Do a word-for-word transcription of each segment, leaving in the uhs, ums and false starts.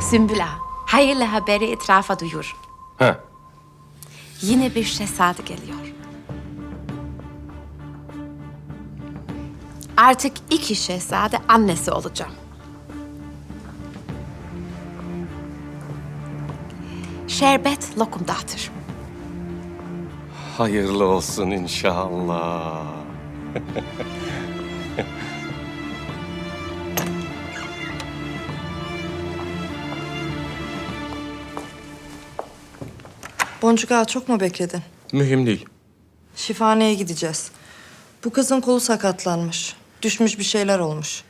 Sümbül Ağa, hayırlı haberi etrafa duyur. Ha. Yine bir şehzade geliyor. Artık iki şehzade annesi olacağım. Şerbet lokum dağıtır. Hayırlı olsun inşallah. Boncuk Ağa, çok mu bekledin? Mühim değil. Şifaneye gideceğiz. Bu kızın kolu sakatlanmış. Düşmüş, bir şeyler olmuş.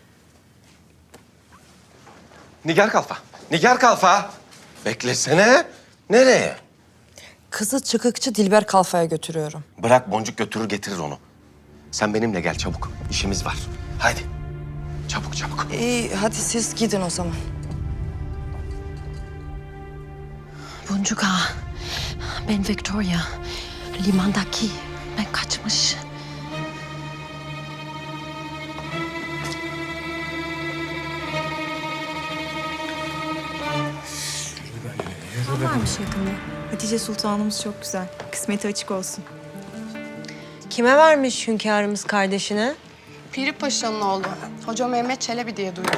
Nigar Kalfa. Nigar Kalfa. Beklesene. Nereye? Kızı çıkıkçı Dilber Kalfa'ya götürüyorum. Bırak Boncuk götürür getirir onu. Sen benimle gel çabuk. İşimiz var. Haydi. Çabuk çabuk. İyi, hadi siz gidin o zaman. Boncuk Ağa, ben Victoria. Limandaki, ben kaçmış. Varmış yakında. Hatice Sultanımız çok güzel. Kısmeti açık olsun. Kime vermiş hünkârımız kardeşine? Piri Paşa'nın oğlu. Hoca Mehmet Çelebi diye duydum.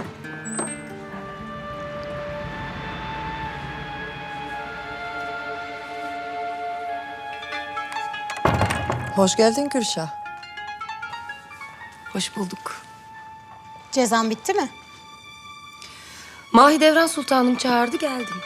Hoş geldin Gülşah. Hoş bulduk. Cezan bitti mi? Mahidevran Sultanım çağırdı, geldim.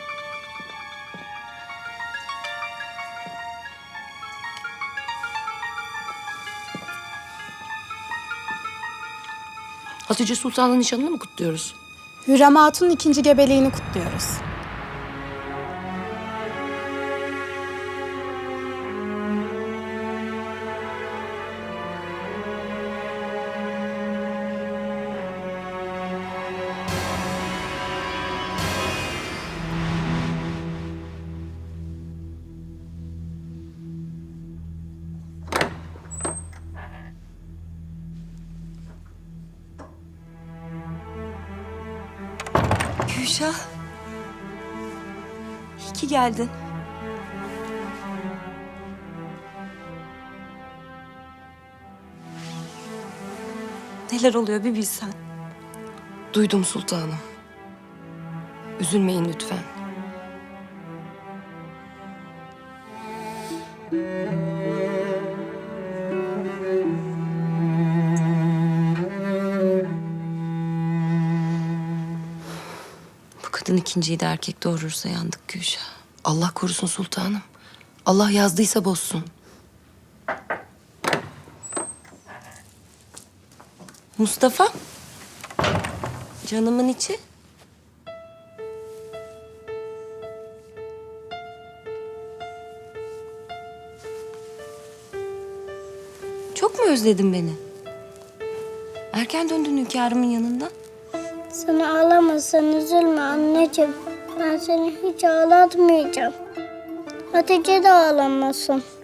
Hatice Sultan'ın nişanını mı kutluyoruz? Hürrem Hatun'un ikinci gebeliğini kutluyoruz. Gülşah. İyi ki geldin. Neler oluyor bir bilsen. Duydum sultanım. Üzülmeyin lütfen. Bu kadın ikinciyi de erkek doğurursa yandık Gülşah. Allah korusun sultanım. Allah yazdıysa bozsun. Mustafa. Canımın içi. Çok mu özledin beni? Erken döndün hünkârımın yanından. Sen ağlamasan üzülme anneciğim. Ben seni hiç ağlatmayacağım. Hatice de ağlamasın.